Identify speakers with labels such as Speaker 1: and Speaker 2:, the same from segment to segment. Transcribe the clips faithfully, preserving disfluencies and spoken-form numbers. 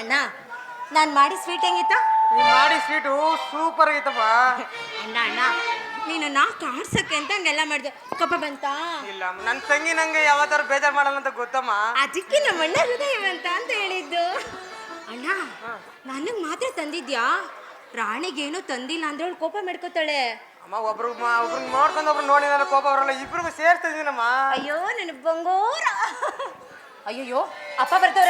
Speaker 1: ಅಣ್ಣ ನಾನು ಮಾಡಿ ಸ್ವೀಟ್ ಹೆಂಗಿತ್ತ?
Speaker 2: ನೀನು ಮಾಡಿ ಸ್ವೀಟು ಸೂಪರ್ ಆಗಿತ್ತಪ್ಪ.
Speaker 1: ಅಣ್ಣ ಅಣ್ಣ ನೀನು ನಾ ಕಾಡ್ಸಕ್ಕೆ ಅಂತ ಹಂಗೆಲ್ಲ ಮಾಡಿದೆ, ಕೋಪ ಬಂತಾ?
Speaker 2: ಇಲ್ಲ, ನನ್ನ ತಂಗಿ ನಂಗೆ ಯಾವತ್ತಾರು ಬೇಜಾರು ಮಾಡಲ್ಲ ಅಂತ ಗೊತ್ತಮ್ಮ.
Speaker 1: ಅದಕ್ಕೆ ನಮ್ಮ ಅಣ್ಣ ಹೃದಯವಂತ ಅಂತ ಹೇಳಿದ್ದು. ಅಣ್ಣ ನನಗೆ ಮಾತ್ರ ತಂದಿದ್ಯಾ? ರಾಣಿಗೇನು ತಂದಿಲ್ಲ ಅಂದ್ರೆ ಅವಳು ಕೋಪ ಮಾಡ್ಕೋತಾಳೆ.
Speaker 2: ಅಮ್ಮ ಒಬ್ರು ಒಬ್ರು ನೋಡ್ಕೊಂಡು ಒಬ್ರು ನೋಡಿ ನನ್ನ ಕೋಪ ಬರಲ್ಲ, ಇಬ್ರಿಗೂ ಸೇರ್ತಾ ಇದೀನಮ್ಮ.
Speaker 1: ಅಯ್ಯೋ ನನ್ನ ಬಂಗೋರ. ಅಯ್ಯಯ್ಯೋ ಅಪ್ಪ ಬರ್ತವ್ರೆ.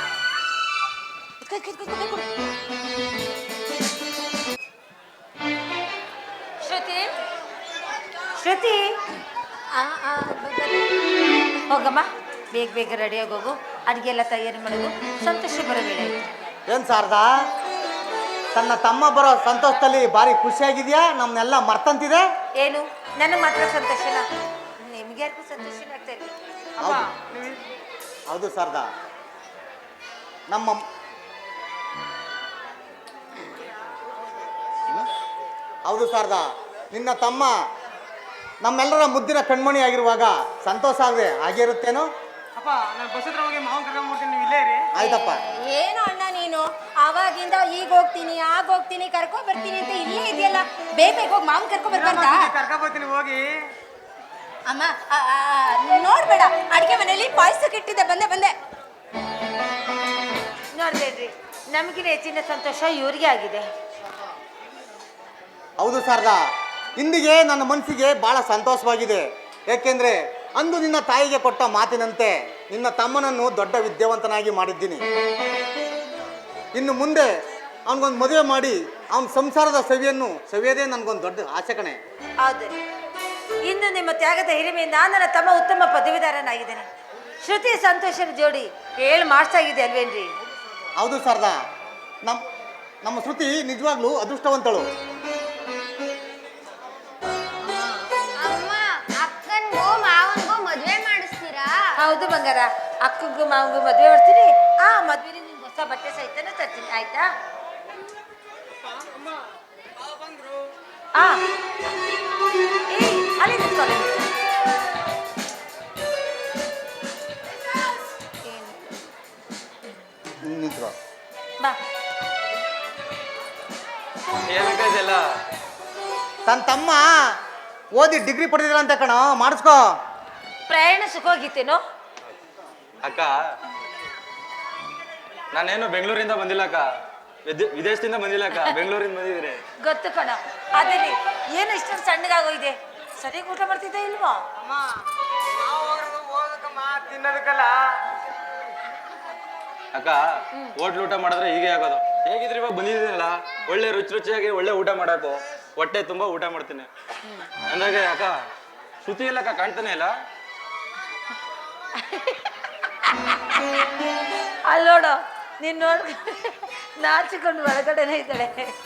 Speaker 1: ಶ್ರುತಿ ಶ್ರುತಿ ಹೋಗಮ್ಮ, ಬೇಗ ಬೇಗ ರೆಡಿಯಾಗಿ ಹೋಗು. ಅಡುಗೆ ಎಲ್ಲ ತಯಾರಿ ಮಾಡೋದು. ಸಂತೋಷ ಬರೋ ವೇಳೆ
Speaker 3: ಏನು ಶಾರದಾ, ತನ್ನ ತಮ್ಮ ಬರೋ ಸಂತೋಷದಲ್ಲಿ ಭಾರಿ ಖುಷಿಯಾಗಿದೆಯಾ? ನಮ್ಮನ್ನೆಲ್ಲ ಮರ್ತಂತಿದೆ.
Speaker 1: ಏನು ನನಗೆ ಮಾತ್ರ ಸಂತೋಷನ? ನಿಮ್ಗೆ ಯಾರಿಗೂ ಸಂತೋಷನ ಆಗ್ತಾ ಇಲ್ಲ?
Speaker 3: ಹೌದು ಶಾರದಾ, ನಮ್ಮ ಹೌದು ಶಾರದಾ, ನಿನ್ನ ತಮ್ಮ ನಮ್ಮೆಲ್ಲರ ಮುದ್ದಿನ ಕಣ್ಮಣಿ ಆಗಿರುವಾಗ ಸಂತೋಷ ಆಗದೆ ಹಾಗೆ ಇರುತ್ತೇನೋ?
Speaker 2: ಅಪ್ಪ ನಾನು ಬಸ್ ಹತ್ರ ಹೋಗಿ ಮಾವನ್ ಕರ್ಕೊಂಡ್ಬಿಡ್ತೀನಿ, ನೀವು ಇಲ್ಲೇ ಇರಿ.
Speaker 3: ಆಯ್ತಪ್ಪ.
Speaker 1: ಏನು ಅಣ್ಣ ನೀನು ಆವಾಗಿಂದ ಈಗ ಹೋಗ್ತೀನಿ ಆಗ ಹೋಗ್ತೀನಿ ಕರ್ಕೊ ಬರ್ತೀನಿ ಅಂತ ಇಲ್ಲೇ ಇದೆಯಲ್ಲ, ಬೇಗ ಬೇಗ ಹೋಗಿ ಮಾವನ್ ಕರ್ಕೊ ಬರ್ಬಾರ್ದಾ?
Speaker 2: ಕರ್ಕೊಂಡ್ ಬರ್ತೀನಿ ಹೋಗಿ.
Speaker 1: ಅಮ್ಮ ನೋಡ್ಬೇಡ, ಅಡಿಗೆ ಮನೆಯಲ್ಲಿ ಪಾಯಸಕ್ಕೆ ಇಟ್ಟಿದ್ದೆ, ಬಂದೆ ಬಂದೆ. ನೋಡ್ಬೇಡ್ರಿ, ನಮಗಿನ ಹೆಚ್ಚಿನ ಸಂತೋಷ ಇವ್ರಿಗೆ ಆಗಿದೆ.
Speaker 3: ಹೌದು ಶಾರದಾ, ಇಂದಿಗೆ ನನ್ನ ಮನಸ್ಸಿಗೆ ಬಹಳ ಸಂತೋಷವಾಗಿದೆ. ಯಾಕೆಂದ್ರೆ ಅಂದು ನಿನ್ನ ತಾಯಿಗೆ ಕೊಟ್ಟ ಮಾತಿನಂತೆ ನಿನ್ನ ತಮ್ಮನನ್ನು ದೊಡ್ಡ ವಿದ್ಯಾವಂತನಾಗಿ ಮಾಡಿದ್ದೀನಿ. ಇನ್ನು ಮುಂದೆ ಅವನಿಗೊಂದು ಮದುವೆ ಮಾಡಿ ಅವನ ಸಂಸಾರದ ಸವಿಯನ್ನು ಸವಿಯೋದೇ ನನಗೊಂದು ದೊಡ್ಡ ಆಸೆ ಕಣೆ.
Speaker 1: ಹೌದು, ಇನ್ನು ನಿಮ್ಮ ತ್ಯಾಗದ ಹಿರಿಮೆಯಿಂದ ನನ್ನ ತಮ್ಮ ಉತ್ತಮ ಪದವೀಧರನಾಗಿದ್ದೇನೆ. ಶ್ರುತಿ ಸಂತೋಷದ ಜೋಡಿ ಏಳು ಮಾರ್ಕ್ಸ್ ಆಗಿದೆ ಅಲ್ವೇನ್ರಿ?
Speaker 3: ಹೌದು ಶಾರದಾ, ನಮ್ಮ ನಮ್ಮ ಶ್ರುತಿ ನಿಜವಾಗ್ಲೂ ಅದೃಷ್ಟವಂತಳು. ಹೌದು ಬಂಗಾರ, ಅಕ್ಕಗೂ ಮಾವಗೂ ಮದುವೆ ಮಾಡ್ತೀನಿ. ಆ ಮದುವೆ ನಿಮ್ಗೆ ಹೊಸ ಬಟ್ಟೆ ಸಹಿತನೂ ತರ್ತೀನಿ, ಆಯ್ತಾ? ಆ ಅಲ್ಲಿ ನಿಂತ್ಕೊಳ್ಳಿ. ನಿಂತ್ಕೊ ಬಾ. ತನ್ನ ತಮ್ಮ ಓದಿ ಡಿಗ್ರಿ ಪಡೆದಿಲ್ಲ ಅಂತ ಕಣ, ಮಾಡಿಸ್ಕೋ. ಪ್ರಯಾಣ ಸುಖವಾಗಿತ್ತೇನೋ?
Speaker 4: ಅಕ್ಕ, ನಾನೇನು ಬೆಂಗಳೂರಿಂದ ಬಂದಿಲ್ಲ ಅಕ್ಕ, ವಿದೇಶದಿಂದ ಬಂದಿಲ್ಲ ಅಕ್ಕ, ಬೆಂಗಳೂರಿಂದ ಬಂದಿದ್ದೀರಿ.
Speaker 1: ಗೊತ್ತು ಕಣ, ಅದೇನಿ ಏನು ಇಷ್ಟೊಂದು ಸಣ್ಣಗಾಗೋಗಿದೆ. ಸರಿಯಾಗಿ ಊಟ ಮಾಡ್ತಿದ್ದೆ ಇಲ್ವಾ?
Speaker 2: ಅಮ್ಮ ನಾವು ಹೋಗೋದು ಓದಕ್ಕಮ್ಮ, ತಿನ್ನೋದಕ್ಕಲ್ಲ.
Speaker 4: ಅಕ್ಕ, ಹೋಟ್ಲು ಊಟ ಮಾಡಿದ್ರೆ ಹೀಗೆ ಆಗೋದು. ಹೇಗಿದ್ರಿ ಇವಾಗ ಬಂದಿದ್ದೀನಲ್ಲ, ಒಳ್ಳೆ ರುಚಿ ರುಚಿಯಾಗಿ ಒಳ್ಳೆ ಊಟ ಮಾಡಾಕು, ಹೊಟ್ಟೆ ತುಂಬಾ ಊಟ ಮಾಡ್ತೀನಿ. ಅಂದಾಗೆ ಅಕ್ಕ ಶ್ರುತಿ ಇಲ್ಲ ಅಕ್ಕ, ಕಾಣ್ತಾನೆ ಇಲ್ಲ.
Speaker 1: ಅಲ್ಲಿ ನೋಡು, ನೀನ್ ನೋಡ್ ನಾಚಿಕೊಂಡು ಒಳಗಡೆನೆ ಇದ್ದಾಳೆ.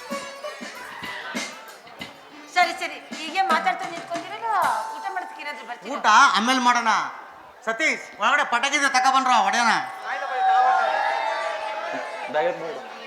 Speaker 1: ಸರಿ ಸರಿ, ಹೀಗೆ ಮಾತಾಡ್ತಾ ನಿಂತ್ಕೊಂಡಿರಲ್ಲ, ಊಟ ಮಾಡೋದಕ್ಕೇನಾದ್ರೂ ಬರ್ತೀನಿ.
Speaker 3: ಊಟ ಆಮೇಲೆ ಮಾಡೋಣ. ಸತೀಶ್, ಒಳಗಡೆ ಪಟಾಕಿದ್ರೆ ತಗೊಬನ್ರ ಹೊಡೆಯೋಣ.
Speaker 4: ದಯವಿಟ್ಟು